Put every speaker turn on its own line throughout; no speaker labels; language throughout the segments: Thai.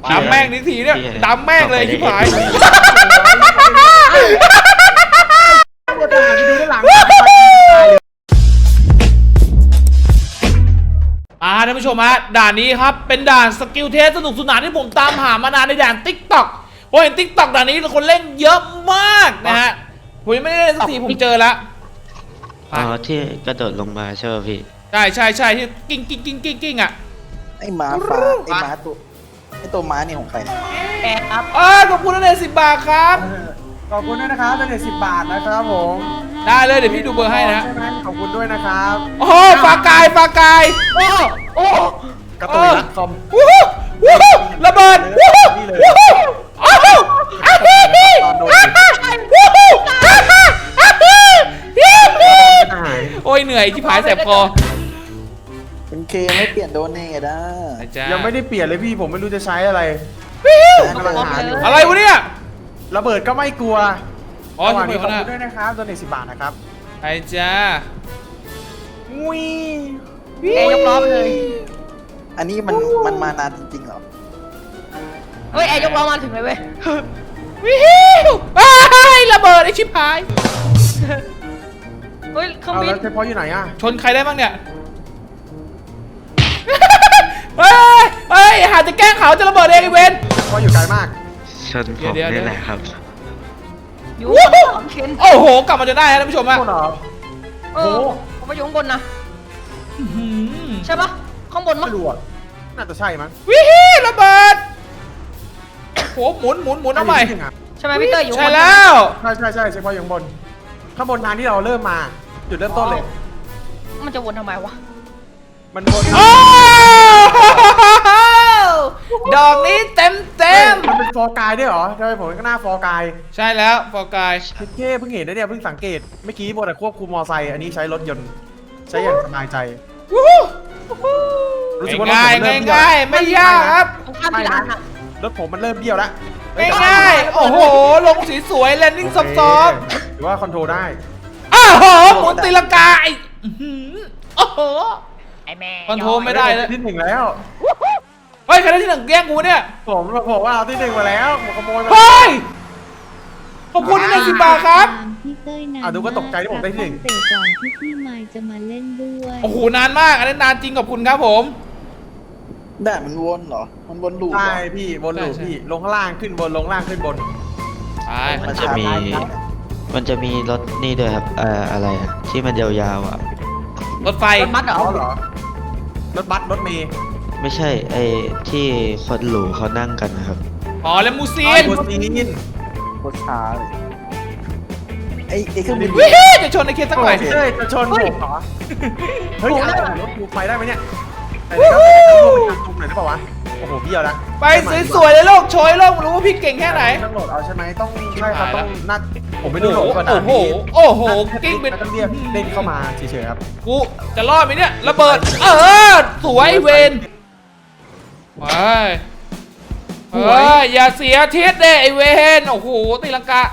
ดำแม่งนิทีเนี่ยดำแม่งเลยชิบหายท่านผู้ชมฮะด่านนี้ครับเป็นด่านสกิลเทสสนุกสนานที่ผมตามหามานานในด่าน TikTok ผมเห็น TikTok ด่านนี้คนเล่นเยอะมากนะฮะผมยังไม่ได้เล่นสักทีผมเจอแล้ว
อ๋อที่กระโดดลงมาใช่ไหมพี่
ใช่ที่กิ้งอ่ะ
ไอ้ม้าฟ้าไอ้ม้าตัวม้านี่ของใคร
แอบครับ
ขอบคุณนะเนี่ย10 บาทครับ
ขอบคุณด้วยนะครับเป็น10 บาทนะครับผม
ได้เลยเดี๋ยวพี่ดูเบอร์ให้นะ
ขอบคุณด้วยนะครับ
โอ้ปากาย
โอ้
กระตุยรักคอม
ระเบิดโอ้ยเหนื่อยที่ผายแสบคอ
เป็นเคไม่เปลี่ยนโดนเนทอ่ะ
ยังไม่ได้เปลี่ยนเลยพี่ผมไม่รู้จะใช้อะไร
อะไรวะเนี่ย
ระเบิดก็ไม่กลัว
อ๋อขอบคุณ
ด้วยนะครับโดน10 บาทนะครับ
ไอ้จ้า
ยกล้อไปเลย
อันนี้มันมานานจริงๆเหรอ
เฮ้ยยกล้อมาถึงเลยเว้ย
ระเบิดไอ้ชิบหาย
เฮ้ยเครื่องบิน
เฉพาะอยู่ไหนอะ
ชนใครได้บ้างเนี่ยหาจะแกล้งเขาจะระเบิดเองไอ้เวน
เพราะอยู่ไกลมาก
ชนผมนี่แหละครับ
อยู่ของเคน
โอ้โหกลับมาจะได้ท่านผู้ชมอะ
โอ้โหผมมาอยู่ข้างบนนะใช่ปะข้างบนมั้ง
ไม่รู้น่าจะใช่มั้ง
ระเบิดโหหมุนเอาใหม่
ใช่ไหมพี่เตอร์อยู่
ใช่แล้ว
ใช่เฉพาะอยู่ข้างบนทางที่เราเริ่มมาจุดเริ่มต้นเลย
มันจะวนทำไมวะ
มันวน
ดอกนี้เต็ม
มันเป็นฟอร์กายด้วยเหรอทำไมผมก็หน้าฟอร์กาย
ใช่แล้วฟอร์กาย
เพิ่งเห็นนะเนี่ยเพิ่งสังเกตเมื่อกี้บนควบคุมมอไซค์อันนี้ใช้รถยนต์ใช้อย่างสบายใจ
รู้สึกว่าง่ายไม่ยากครับ
รถผมมันเริ่มเบี้ยวแล้ว
ง่ายโอ้โหลงสีสวยแลนดิ้งซอฟต์
หรือว่าคอนโทรลได้
หมุนตีลังกาโอ้โห
ไอ้แม่
คอนโทรลไม่ได้แล้ว
ที่ 1แล้ว
เฮ้ยใครได้ที่ 1แย่งกูเนี่ย
ผมบอกว่าเอาที่ 1มาแล้วผมขโมยมา
เฮ้ยขอบคุณที่10 บาทครับ
ดูก็ตกใจที่ผมได้ที่ 1
เตะก่อนที่พี่ไมค์จะมาเล่นด้วย
โอ้โหนานมากอันนี้นานจริงขอบคุณครับผม
ได้มันวนเหรอมันวนลูป
ใช่พี่วนลูปพี่ลงข้างล่างขึ้นบนลงล่างขึ้นบน
มันจะมีรถนี่ด้วยครับอะไรที่มันยาวๆ
รถไฟ
รถบัสเหรอ
รถบัสรถเมย์
ไม่ใช่ไอ้ที่คนหลูเขานั่งกันนะครับ
อ๋อแล้วมูซีน
โคตรช้าเลยไอ้เครื่องบิน
จะชนไอ้เคสสักหน่อย
จะชนผมเหรอเฮ้ยรถกูไปได้ไหมเนี่ยไอ้ก็ไปทำหน่อยได้ป่าวะโอ้โหเบี้ยวนะ
ไปสวยๆเลยโลกโชยโลกรู้ว่าพี่เก่งแค่ไหน
ต้องโหลดเอาใช่ไหมต้องใช่ครับต้องนัดผมไม่ได้โหลดก่อนนะ
โอ้โหกิ้งเป็น
ต้องเรียกเล่นเข้ามาเฉยๆครับ
กูจะรอดไหมเนี่ยระเบิดสวยเวนไปอย่าเสียทิศเด้ไอเวนโอ้โหตีลังกา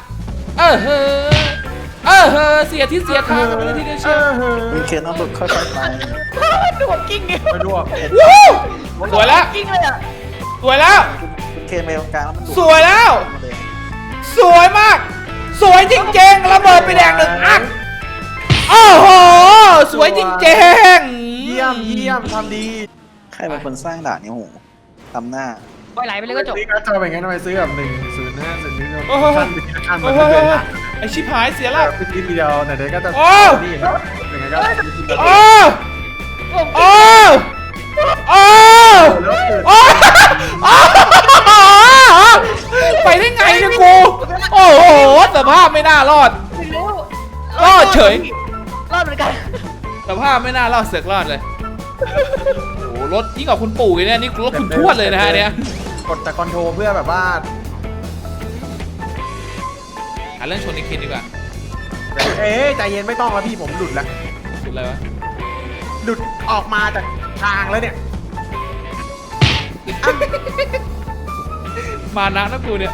เสียทิศเสียทางไปเลยทีเดียวเชียว
มีเคนต้องหลุดค่อยๆไป
ดูกิ้ง
ไปดู
สวยแล้ว
กิ้งเลยอ่ะ
สวยแล้ว
คุณเคนไปตรงกลางแล้วมัน
สวยแล้วสวยมากสวยจริงๆระเบิดไปแดง1 อันโอ้โหสวยจริงๆ
เยี่ยมทำดี
ใครเป็นคนสร้างด่านนี้โหทำหน้า
ปล่อยไหลไปเลยก็จบ
นี่ก็จะเป็นไงทำไมซื้อแบบ105ขั้น
ไอชิบหายเสียแล้ว
ไปทีเดียวไหนๆก็จะนี่ครับยังไงก็
ไปได้ไงเนี่ยกูโอ้โหสภาพไม่น่ารอดเฉย
รอดเหมือนกัน
สภาพไม่น่ารอดเสือกรอดเลยโอ้โหรถยิ่งกว่าคุณปู่เนี่ยนี่รถคุณทวดเลยนะฮะเนี่ย
กดแต่คอนโทรเพื่อแบบว่า
หาเรื่องชนในเคนดีกว่า
ใจเย็นไม่ต้องแล้วพี่ผมหลุดแล้ว
หลุดอะไรวะ
หลุดออกมาจากทางแล้วเนี่ย
มานะกูเนี่ย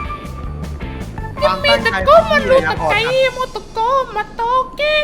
มีตะโก้มาดูตะไคร้
มาตะโก้มาโตเก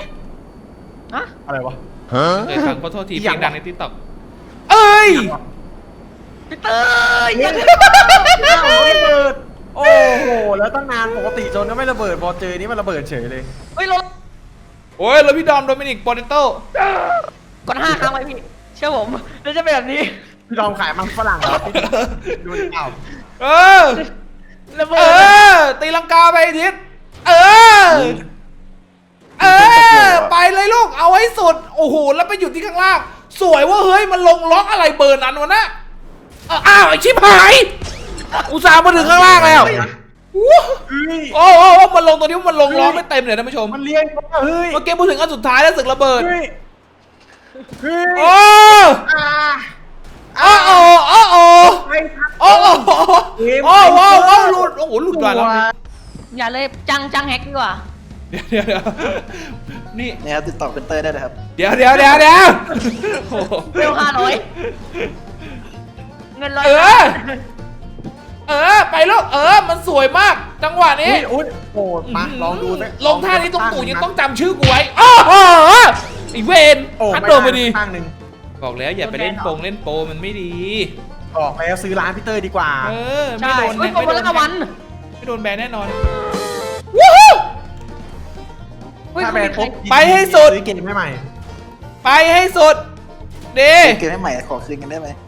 อะไรวะ
เคยฟังขอโทษทีเพลงดังในติ๊กต็อกเอ้ย
พี่เตอร์ยัง
ระเบิดโอ้โหแล้วตั้งนานปกติโจนก็ไม่ระเบิดพอเจอนี่มันระเบิดเฉยเลย
เฮ้ยรถ
โอ้ยแล้วพี่ดอมโดมินิกโปเตโต้
กด5 ครั้งไว้พี่เชื่อผมแล้วจะเป็นแบบนี้
พี่ลองขายมันฝรั่งเหรอดูดิเอ้า
เออ
ระเบิ
เอ
ด
อ ตีลังกาไปไอ้ทิศเออ เออ ไปเลยลูก เอาให้สุด โอ้โห แล้วไปหยุดที่ข้างล่าง สวยว่าเฮ้ย มันลงล็อกอะไรเบอร์นั้นวะนะอ้าว ไอชิบหาย อุตส่าห์มาถึงข้างล่างแล้ววู้
เฮ้ย
โอ้โหมันลงตัวนี้มันลงล็อกไม่เต็มเลยนะผู้ชม
มันเลี้ยงเฮ้ย
เมื่อกี้พูดถึงอันสุดท้ายแล้วศึกระเบิด
เฮ้ยเฮ้ย
โอ้
อ่า
โอ้โอ้โอ้โอ้
ไปครับ
โอ้โอ้โอ้โอ้หลุด โอ้โห หลุดได้แล้ว
อย่าเลยจังแฮกดีกว่า
เดี๋ยวนี่
เนี่ยครับติดต่อเป็นเตอร์ได้เลยครับ
เดี๋ยวโอ้โห
เร็ว500เงินร้อย
ไปลูกมันสวยมาก จังหวะนี้
อุ้ยโอ้มาลองดูไหม
ลงท่านี้ต้องตู่ยังต้องจำชื่อกูไว้โอ้โหอีเวน
โอ้
พัด
ไม่
โดนไปดี
ตั้งหนึ่ง
บอกแล้วอย่าไปเล่นโปมันไม่ดี
ออกแล้วซื้อร้านพี่เตอร์ดีกว่า
ไม่
ใช่
โดน
เฮ้ยผมคนละวัน
ไม่โดนแบนแน่นอนวู้ฮู้
ถ้าแบรนด์ปุ๊บ
ไปให้สุด
ซื้อเกมให้ใหม่
ไปให้สุดดี
เกมให้ใหม่ขอคืนกันได้ไหม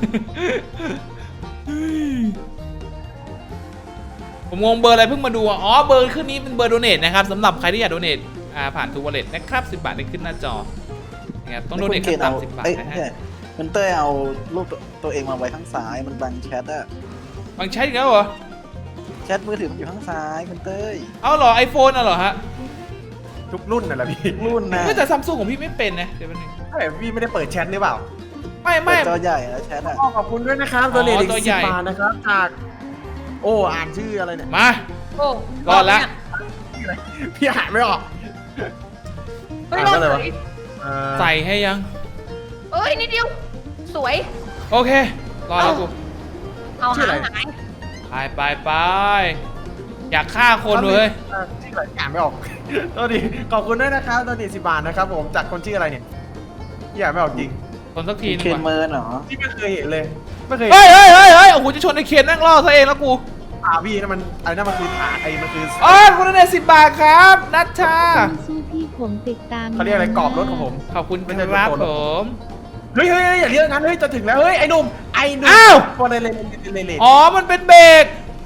ผมงงเบอร์อะไรเพิ่งมาดูอ๋อเบอร์ขึ้นนี้เป็นเบอร์โดเนทนะครับสำหรับใครที่อยากโดเนทผ่านทูวอลเล็ตนะครับ10 บาทได้ขึ้นหน้าจอนะครับต้องโดเนทขั้นต่ำ10 บาทนะฮะ
มันเต้ยเอารูปตัวเองมาไว้ข้างซ้ายมันบังแชทอะ
บางใช้อีกแล้วเหรอ
แชทมือถือมันอยู่ข้างซ้ายมันเต้ย
เอาเหรอไอโฟนเหรอฮะ
ทุกรุ่นน่ะแหละพี่
รุ่นนะ
แต่ซัมซุงของพี่ไม่เป็นนะเดี๋ยวแป๊บนึง
เฮ้ยพี่ไม่ได้เปิดแชทหรือเปล่า
ไม่
เปิดจอใหญ่แล้วแชทอะ
ขอบคุณด้วยนะครับ
อ๋อ
ตัวเลขอีก
ตัวใหญ่
10 บาทนะครับจากโอ้อ่านชื่ออะไรเนี่ย
มา
โอ้
รอดละ
พี่อ่านไม่ออก
เฮ้ยรอด
อ่านว่าอะไรวะ
เลย
ใส่ให้ยัง
เอ้ยนิดเดียวสวย
โอเครอแล้วกู
เอาหาย
ไปอยากฆ่าคนเลย
ชื่ออะไรอ่านไม่ออก ตัวดีขอบคุณด้วยนะครับตัวดี10 บาทนะครับผมจากคนชื่ออะไรเนี่ยพี่อ่านไม่ออกจริง
คนสักทีนึ
เคน
ง
เมิ
ว่ะ
ร์นเหรอ
พี่ไม่เคยเห็นเลยไม่เคย
เฮ้ยโอ้โหจะชนไอเคนนั่งล่อซะเองแล้วกู
พี่นั่นมันอะไรนั่นมันคือฐานไอ้มันคือ
อ๋อคุณโดเนท10 บาทครับนัชชา
สู้พี่ผมติดตาม
เขาเรียกอะไรกรอบรถของผม
ขอบคุณครับผม
เฮ้ยอย่าเรียกงั้นเฮ้ยจะถึงแล้วเฮ้ยไอ้หนุ่มพอเลยเลย
อ๋อมันเป็นเบรก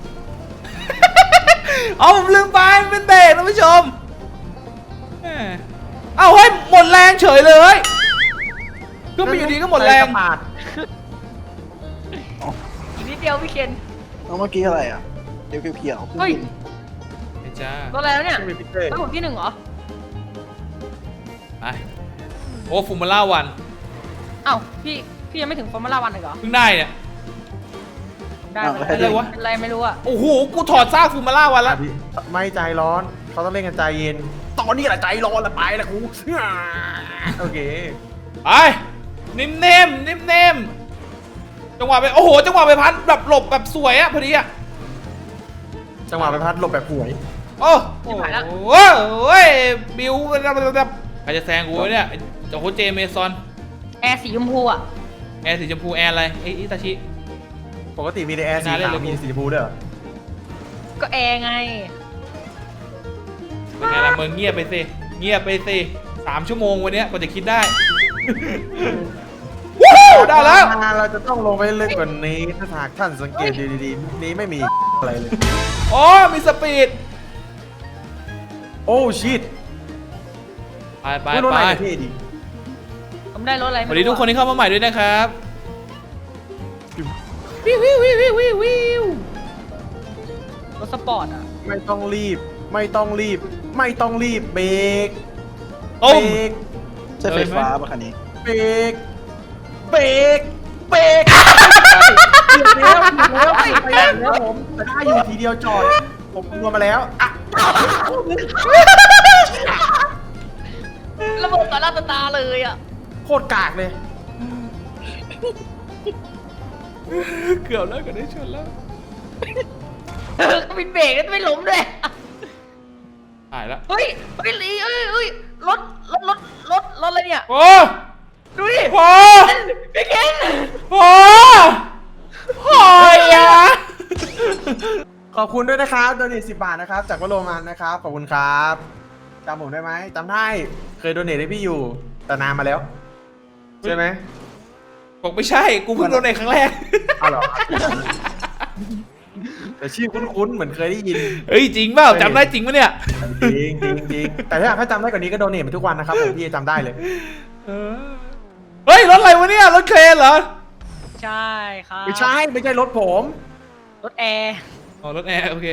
อ๋อผมลืมไปมันเป็นเบรกท่านผู้ชมแหมเอ้าเฮ้ยหมดแรงเฉยเลยก็มาอยู่ดีก็หมดแรง
ปาด
อีกนิดเดียวพี่เคน
เอาเมื่อกี้อะไรอะเดี๋ยวเขียว
เฮ้ย
ไอ้จ้าร
ถอะไรแล้วเนี่ย
ไม่มีพิเศษ
ไม่ผมที่ 1เหรอ
ไปโอ้ฟูมาล่าวัน
เอ้าพี่ยังไม่ถึงฟอร์มูล่าวันเลยเหรอ
เพิ่งได้เนี่ย
ได้
อะไรวะ
เป็นไรไม่รู้อะ
โอ้โหกูถอดซากฟูมาล่าวันแล้ว
ไม่ใจร้อนเขาต้องเล่นกันใจเย็นตอนนี้แหละใจร้อนละไปละกูโอเค
ไปนิ่มจังหวะไปโอ้โหจังหวะไปพัดแบบหลบแบบสวยอะพอดีอะ
จังหวะไปพัดหลบแบบหวย
โอ้โหบิวแบบใครจะแซงกูวะเนี่ยโอ้โหเจเมซอน
แอร์สีชมพูอะ
แอร์สีชมพูแอร์อะไรไอ้อิตาชิ
ปกติมีแต่แอร์สี
น่าเล่น
ขา
เล
วย มีสีชมพูด้วยเหรอ
ก็แอร์ไง
เป็นไงล่ะมึงเงียบไปสิ3 ชั่วโมงวันเนี้ยกว่าจะคิดได้ วู้ได้แล้ว
เราจะต้องลงไปลึกกว่านี้ถ้าหากท่านสังเกตดีๆนี้ไม่มีอะไรเลย
โอ้มีสปีด
โอ้ชิต
ไป
ไม่รู้อะไรเท่ดี
ผมได้รถอะไร
สวัสดีทุกคนที่เข้ามาใหม่ด้วยนะครับวิว
รถสปอร์ตอะ
ไม่ต้องรีบเบรก
ต้ม
เ
ใช่ไฟฟ้าป่ะคันนี้
เบรกเบรกแล้วผมแต่ได้อยู่ทีเดียวจอดผมรวมมาแล้วอ่ะ
ระเบิดต่อหน้าต่อตาเลยอะ
โคตรกากเลย
เกือบแล้วก็ได้ชนแล้ว
ก็มีเบรกแล้วไม่ล้มด้วย
หายแล้ว
เฮ้ยลีเฮ้ยรถอะไรเนี่ย
โอ้
ดูดิ
โห
พี่เคน
โหหอยอะ
ขอบคุณด้วยนะครับโดเนท10 บาทนะครับจากวโรมันนะครับขอบคุณครับจำผมได้ไหมจำได้เคยโดเนทให้พี่อยู่แต่นานมาแล้วใช่ไหม
บอกไม่ใช่ กูเพิ่งโดนในครั้งแรก
เอาเหรอแต่ชื่อคุ้นๆเหมือนเคยได้ยิน
เฮ้ยจริงเปล่าจำได้จริงปะเนี่ย
จริงจริงจริงแต่ถ้าจำได้กว่านี้ก็โดเนทมาทุกวันนะครับผมพี่จำได้เลย
เฮ้ยรถอะไรวะเนี่ยรถเครนเหรอ
ใช่ครับ
ไม่ใช่รถผม
รถแอร์
อ๋อรถแอร์โอเค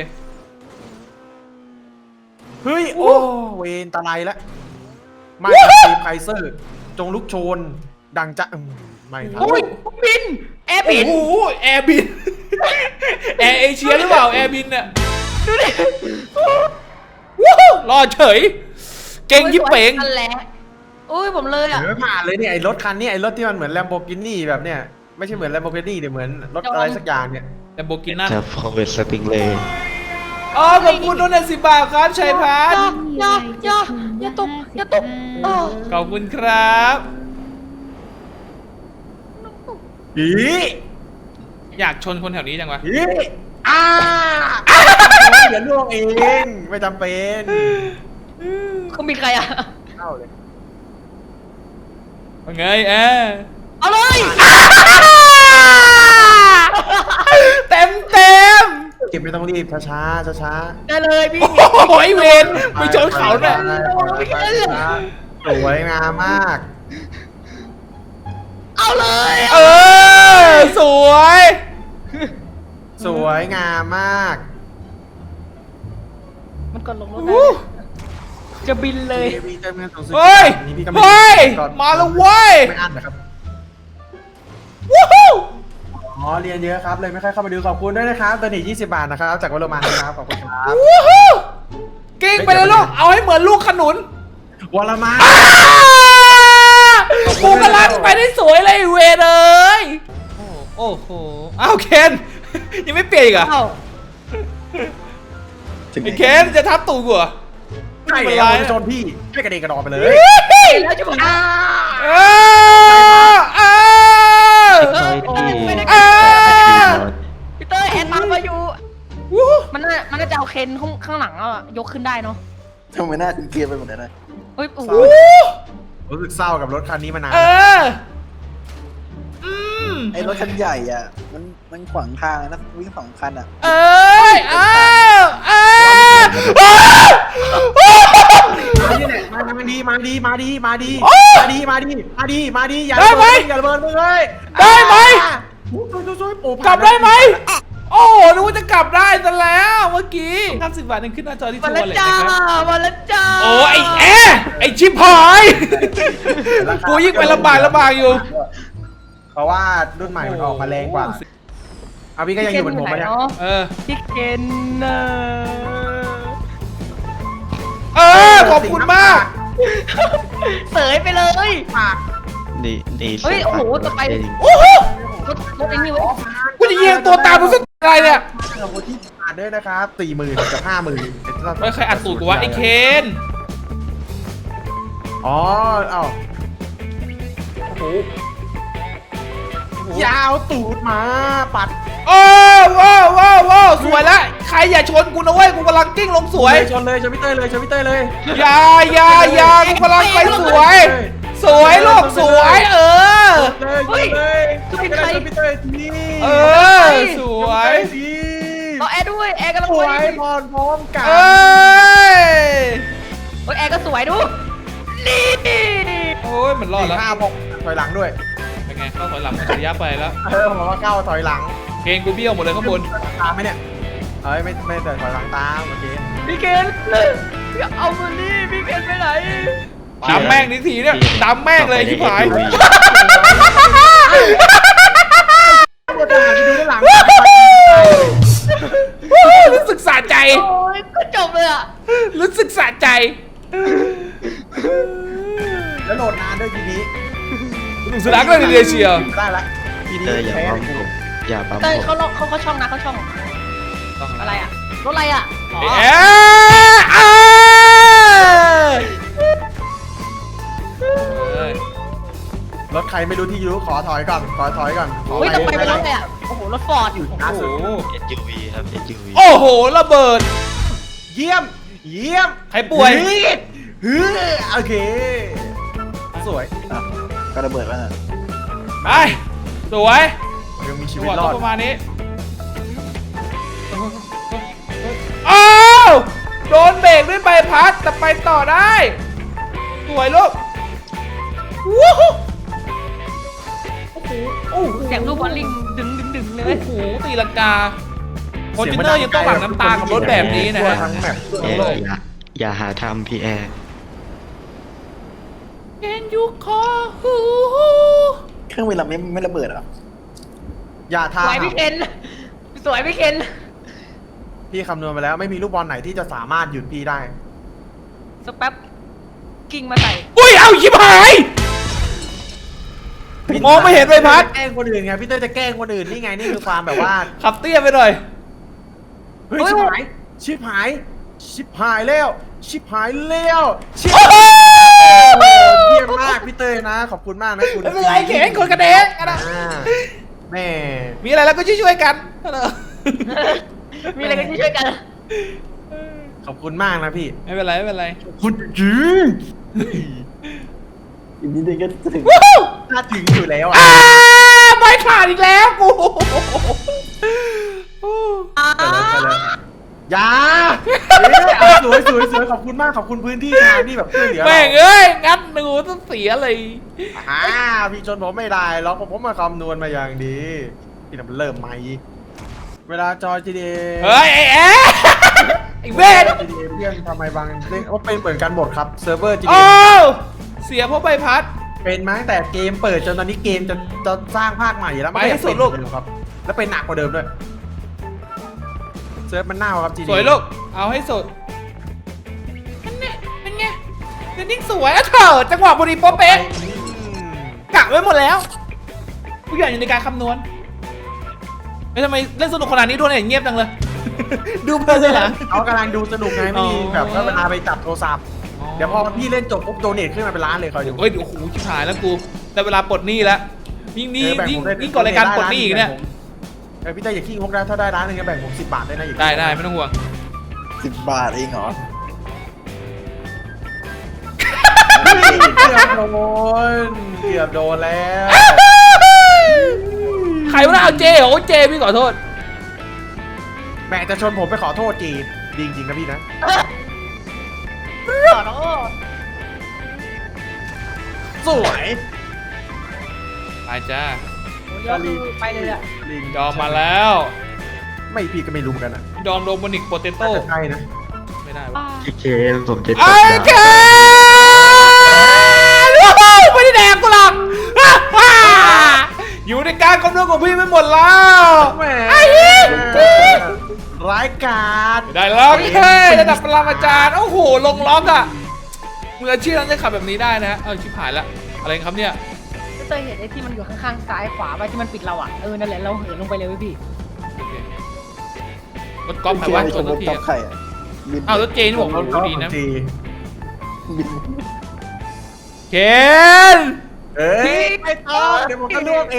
เฮ้ยโอ้เวนตะไลแล้วมาจากทีมไคเซอร์จงลุกโชนดังจะไม่ครับ
โอ้ยบินแอร์บิน
โอ้โหแอร์บิน แอร์เอเชียหรือเปล่าแอร์บินเนี่ย
ดูดิ
วู้ฮู้รอเฉย เก่งยิบเป๋ง
นั่นแหละอุ้ยผมเลยอ่ะ
เดี๋ยวไม่ผ่านเลยเนี่ยไอ้รถคันนี้ไอ้รถที่มันเหมือนแลมโบกินี่แบบเนี้ยไม่ใช่เหมือนแลมโบกินี่เดี๋ยวเหมือนรถอะไรสักอย่างเนี่ย
แต่โบกินนั่น
แต่พอเวสติงเลย
อ๋อขอบคุณโดน10 บาทครับชัยพัฒน์
อย่าตกอย่าตกเออ
ขอบคุณครับ
อี
อยากชนคนแถวนี้จังวะ
อีเดี๋ยวล่วงเองไม่จำเป็น
เขามีใครอ่ะ
เข้าเลย
ว่าไงแอร์
เอาเลย
เต็มเต็ม
เก็บไม่ต้องรีบช้าๆช้า
ได้เลยพี่
โอ้ยเวนไปชนเขาเนี่ย
สวยงามมาก
เอาเลย
เออสวย
สวยงามมาก
มันกดลงรถ
อู้
จะบินเลย
มีเติมเงินสูงสุด
เฮ้ย
นี่พี่ก็
เฮ้ย
ก่อน
มาแล้วเว้ย
ไม่อั้นนะครับ
วู้ฮู้
อ๋อเรียนเยอะครับเลยไม่ค่อยเข้ามาดูขอบคุณด้วยนะครับตัวนี้20 บาทนะครับจากวโรมันนะครับขอบคุณครับ
วู้ฮู้เก่งไปเลยลูกเอาให้เหมือนลูกขนุน
วรมัน
กูกำลังไปได้สวยเลยเวรเลยโอ้โหอ้าวเคนยังไม่เปลี่ยนอีกเหรอ
เอ้า
ไอ้เคนจะทับตูกูเหรอ
ใช่
ไม่
แล้
เป็นไร
วโจนพี่ช่วยกระเด็นกระดอนไปเลย
แล้วจะบอก
เออเออ
เฮ้ยพี่
เออ
พี่เต้ยแอนตามมาอยู่
วู้
มันน่าจะเอาเคนข้างหลังอ่ะยกขึ้นได้เนาะ
ทำไมหน้าถึงเกลียดไปหมดเลยนะ
เฮ้ยโอ้โห
รู้สึกเศร้ากับรถคันนี้มานาน
เอออืม
ไอ้รถคันใหญ่อ่ะ มันขวางทางนะวิ่ง2 คันอ่ะ
เอ้ยเอ้ยเอ้ย
มาดีเนี่ยมาดีมาดีมาดีมาดี
โอ้
มาดีมาดีมาดีมาดีอย่า
ได้ไหม
อย่าระเบิดมึงเลย
ได้ไหม
ช่วยๆโอ้
กลับได้ไหม โอ้โหนึกว่าจะกลับได้ซะแล้วเมื่อกี้50 บาทนึงขึ้นหน้าจอที่
มา
ชัว
แล้ว
ร์เลย
จ้า
นะครับ
มาแล้วจ้า
โอ้ไอ้แอไอ้ชิบหาย กูยิ่งไปลำบากอยู่
เพราะว่ารุ่นใหม่มันออกมาแรงกว่าเอาพี่ก็ยังอยู่บนผมมาเนี่ย
เออ
พี่เคนเนอะ
เออ ขอบคุณมาก
เสยไปเลย
นี่นี่
เฮ้ยโอ้โหจะไป
โอ้โห
รถไอ้นี่เว้ย
กูจะยิงตัวตามรู้สึกอะไรเนี่ย
ขอบคุณที่อ่านด้วยนะครับ40,000กับ50,000
เฮ้ยใครอัดสูตรกูวะไอ้เคน
อ๋อเอ้า
โอ้โห
ยาวตูดมาปัด
โอ้ว้าวว้าวว้าวสวยละใครอย่าชนกูนะเว้ยกูกำลังกิ้งลงสวย
ชนเลยชนพี่เต้ยเลยชนพี่เต้ยเลย
อย่ากูกำลังไปสวย สวยลูกสวยเออ
เลยชนเลยชนพี่เต้ยที
เออสวย
ที
รอแอร์ด้วยแอร์กำลัง
ส
ไป
วยพรพร้อมกัน
เอ้ย
เฮ้ยแอร์ก็สวยดูนี่
โอ้ยมันรอดแล้ว
ข้าวบอกถอยหลังด้วย
เป็นไงเข้าถอยหลังมันระยะไปแล้ว
ผมว่าเข้าถอยหลัง
เกงกูเบี้ยวหมดเลยข้างบน
ตามไหมเนี่ยเอ้ยไม่แต่ถอยหลังตามโอเค
พี่เคนพี่เอามานี่พี่เคนไปไหน
ดำแม่งนิทีเนี่ยดำแม่งเลยชิบหาย
ปวดหลังดูด้านหลัง
รู้สึกสะใจ
โอ้ยก็จบเลยอ่ะ
รู้สึกสะใจ
แล้วโหลดนานด้วยทีนี้
สุดท้ายก็เลยเดียเชียว
ได้ละทีนี้
เตยอย่า
แพ้
ปั๊มผมอย่าปั๊ม
เต้ย
ผม
เขาช่องนะเขาช่องอะไรอ่ะรถอะไรอ่ะอ๋อ
เอ๊ะ
รถใครไม่รู้ที่ยูขอถอยก่อนขอถอยก่อนขอ
เฮ้ย
ไป
ต้องไปเป็นรถเลยอ่ะ
โอ้โห
รถฟอร์ด
อยู่ล่า
โอ้โห
สุด
SUV ครับ SUV
โอ้โหระเบิด
เยี่ยม เยี่ยม
ใครป่วย
ฮึโอเค สวย
อ่ะก็ระเบิดแล้วน่ะ
ไปสวย
ยังมีชี
จัง
วิ
ห
ต
วะ
ร
ต้
อ
อง
ด
ประมาณนี้อ้าวโดนเบรกด้วยใบพัดแต่ไปต่อได้สวยลูกวู้ฮู้โอ้โหโอ้โห
เสียงลูกบอลลิงดึงเล
โอ้
ย
โหตีลังกาคอนเทนเนอร์ยังต้องหลั่งน้ำตากับรถแบบนี้นะฮะ
ทั่วทั้งแมปทั่ว
เอ
ทั้งโลก
อย่าหาทำพี่แอร์
Can you call who
เครื่องบินลำนี้ไม่ระเบิดเหรอ
อย่า
ส
ทา
วยพี่เคนสวยพี่เคน
พี่คำนวณไปแล้วไม่มีลูกบอลไหนที่จะสามารถหยุดพี่ได้
สักแป๊บกิ่งมาใส่
อุ้ย เอาชิบหาย มองไม่เห็นใบพัด
แกล้งคนอื่นไงพี่เต้ยจะแกล้งคนอื่นนี่ไงนี่คือความแบบว่า
ขับเตี้ยไปหน่อย
เฮ้ยชิบหายชิบหายชิบหายแล้วชิบหายแล้วชิบ
โอ้โห
เยี่ยมมากพี่เต้ยนะ ขอบคุณมากนะคุณ
ไม่เป็นไรเข็นคนกระเดงอะนะ
อ่าแม่
มีอะไรแล้วก็ช่วยๆกัน
มีอะไรกันที่ช่วยกัน
ขอบคุณมากนะพี่
ไม่เป็นไรไม่เป็นไร
คุณจริง
อีกนิดนึงก็จะถึง
วู้ฮู้
ถ้าถึงอยู่แล้ว
อ่า
อ่ะ
ไม่ขาดอีกแล้วกู
ไปเลยอย่าสวยสวยสวยขอบคุณมากขอบคุณพื้นที่งานที่แบบช่วยเหลือ
แม่ง
เรา
เอ้ย งัดหนูต้องเสียเลย
พี่ชนผมไม่ได้หรอกผมมาคำนวณมาอย่างดีพี่ทำเริ่มใหม่เวลาจอย GTA
เฮ้ย ไอ้แอ๊ะไอ้เวท
GTA เพื่อนทำไมบางเล่นว่าเป็นเหมือนกันหมดครับเซิร์ฟเวอร์
โอ้
GTA
เสียเพราะใบพัด
เป็นมาตั้งแต่เกมเปิดจนตอนนี้เกมจะสร้างภาคใหม่แล้ว
ไปให้สุดลูก
ไม่ได้เป็นเหมือนเดิมครับแล้วเป็นหนักกว่าเดิมด้วยเซิร์ฟมันเน่าครับ GTA
สวยลูก เอาให้สุดเป็นไงเป็นไงเดี๋ยวนิ่งสวยอะเถอะจังหวะพอดีโป๊ะเป๊ะ กะไว้หมดแล้วทุกอย่างอยู่ในการคำนวณทำไมเล่นสนุกขนาดนี้ด้วยเนี่ยเงียบจังเลย ดูเพลินเลยเหรอ
เขากำลังดูสนุกไงไม่มี
อ๋อ
แบบว่าเวลาไปจับโทรศัพท์เดี๋ยวพอพี่เล่นจบปุ๊บโดเนทขึ้นมาเป็นล้านเลยคอยดู
เฮ้ยโอ้โหชิบหายแล้วกูแต่เวลาปลดหนี้แล้วยิ่งนี้
แบ่
ยิ่ง
ผมได้
ยิ่งก่อนรายการปลดหนี้อีกเนี่ย
พี่เต้ยอย่าขี้งกได้ถ้าได้ร้านหนึงก็แบ่งผม10 บาทได้นะอย่า
ได้ได้ไม่ต้องห่วง
10 บาทเองเหรอ
เกือบโดนเกือบโดนแล้ว
ใครวะน่ะเอาเจโอ้เจพี่ขอโทษ
แม่จะชนผมไปขอโทษจีดีจริงๆนะพี่นะ
ขอโทษ
สวย
ไปจ้า
เดี๋ยวคือไปเลยอะ
ลิง
ดอมมาแล้ว
ไม่พี่ก็ไม่รู้เหมือนกันนะ
ดอมโดมินิกโปเตโต้
น่าจะใช่นะ
ไม่ได้วะ
พี่เคนผมจะจ
ไอ้
บ
เก
แล้ว
นว้าวไม่ได้แดกกูหรอกอ่าอยู่ในการคำนวณของพี่ไม่หมดแล้ว
แหม
ไอ้เหี้ย
ร้ายกาจ
ได้แล้วเฮ้ยระดับปรมาจารย์โอ้โหลงล็อกอะมืออาชีพนั้นจะขับแบบนี้ได้นะชิบหายละอะไรครับเนี่ย
พี่เตยเห็นไอ้ที่มันอยู่ข้างๆซ้ายขวาไปที่มันปิดเราอ่ะนั่นแหละเราเหินลงไปเลยเว้ยพี่
รถก๊อฟไหมวะชน
ร
ทุ
ถ
กที
ก๊อฟไข่อะบิน
อ้าวรถเจนี่ผมรู้ดีนะ
จี
บิน
เคน
เอ้ยไม่ต้องเดี๋ยวผมจะลวกเอง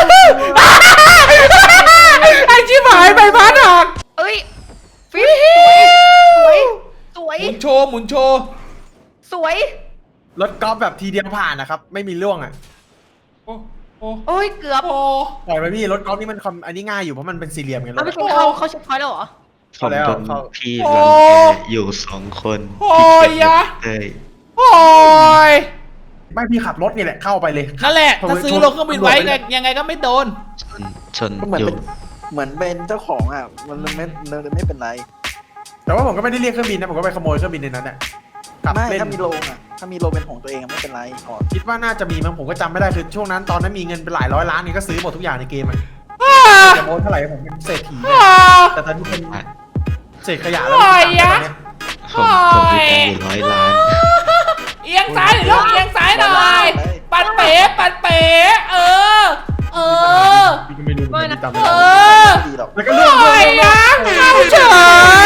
ไอชิบหายใบพัดหัก
เอ้ยฟิปสวย
หมุนโชว์หมุนโชว์
สวย
รถกอล์ฟแบบทีเดียวผ่านนะครับ ไม่มีล่วงอ่ะ
โอ้โอ้
โอ้ยเกือบ
โอ้
ปล่อยไปพี่รถกอล์ฟนี่มันอันนี้ง่ายอยู่เพราะมันเป็นสี่เหลี่ยมไงร
เอา
ถ
ไป
อะ
กินเขาเช็คพอยต์แล้วเหรอ
ผมโดน
เขา
พี่รังแกอยู่2 คน
โอ้ยยะ
เอ้ย
โอ้ย
ไม่พี่ขับรถนี่แหละเข้าไปเลย
นั่นแหละถ้าซื้อลงเครื่องบินไว้ยังไงก็ไม่โดน
ชน
ก็เหมือน
อยู่
เป็นเหมือนเป็นเจ้าของอ่ะ มันไม่เป็นไร
แต่ว่าผมก็ไม่ได้เรียกเครื่องบินนะผมก็ไปขโมยเครื่องบินในนั้นแหละขับ
ไม่
เล่น
ถ้ามีโรงอ่ะ ถ้ามีโรงเป็นของตัวเองอะไม่เป็นไรก่อน
คิดว่าน่าจะมีมั้งผมก็จำไม่ได้คือช่วงนั้นตอนนั้นมีเงินเป็นหลายร้อยล้านนี่ก็ซื้อหมดทุกอย่างในเกมอะจะโมนเท่าไหร่ผมเป็นเศรษฐีเนี่ยแต่ตอนนี้เป็นเศษขยะแล้ว
โอ้ยยะ
ผมมีตังค์อยู่100 ล้าน
เอียงซ้ายหน่อยลูกเอียงซ้ายหน่อยปัดเป๋ปัดเป๋เออ เออ
พี่ก็ไม่รู้เหมือนกันจำไม่
เอ
ได้
อ
ดีหรอก
แล้วก็เรื่อง
โอ้ยยะเข้าเฉ